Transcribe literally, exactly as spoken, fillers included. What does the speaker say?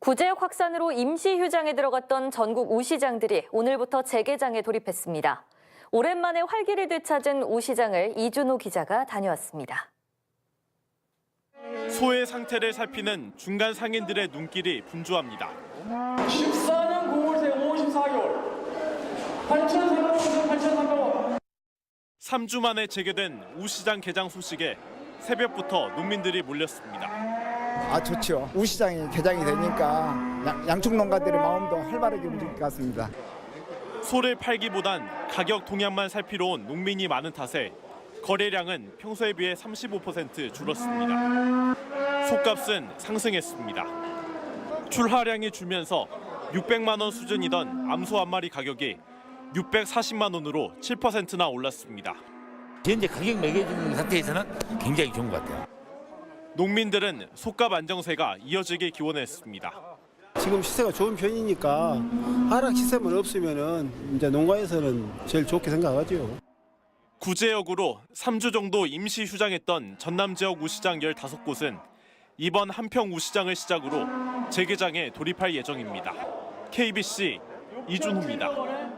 구제역 확산으로 임시 휴장에 들어갔던 전국 우시장들이 오늘부터 재개장에 돌입했습니다. 오랜만에 활기를 되찾은 우시장을 이준호 기자가 다녀왔습니다. 소의 상태를 살피는 중간 상인들의 눈길이 분주합니다. 십사 년 구월 새 오십사 개월 팔천삼백 원, 팔천삼백 원. 삼 주 만에 재개된 우시장 개장 소식에 새벽부터 농민들이 몰렸습니다. 아 좋죠. 우시장이 개장이 되니까 양축 농가들의 마음도 활발하게 움직일 것 같습니다. 소를 팔기보단 가격 동향만 살피러 온 농민이 많은 탓에 거래량은 평소에 비해 삼십오 퍼센트 줄었습니다. 소값은 상승했습니다. 출하량이 줄면서 육백만 원 수준이던 암소 한 마리 가격이 육백사십만 원으로 칠 퍼센트나 올랐습니다. 현재 가격 매겨주는 상태에서는 굉장히 좋은 것 같아요. 농민들은 소값 안정세가 이어지길 기원했습니다. 지금 시세가 좋은 편이니까 하락 시세만 없으면은 이제 농가에서는 제일 좋게 생각하죠. 구제역으로 삼 주 정도 임시 휴장했던 전남 지역 우시장 열다섯 곳은 이번 한평 우시장을 시작으로 재개장에 돌입할 예정입니다. 케이비씨 이준호입니다.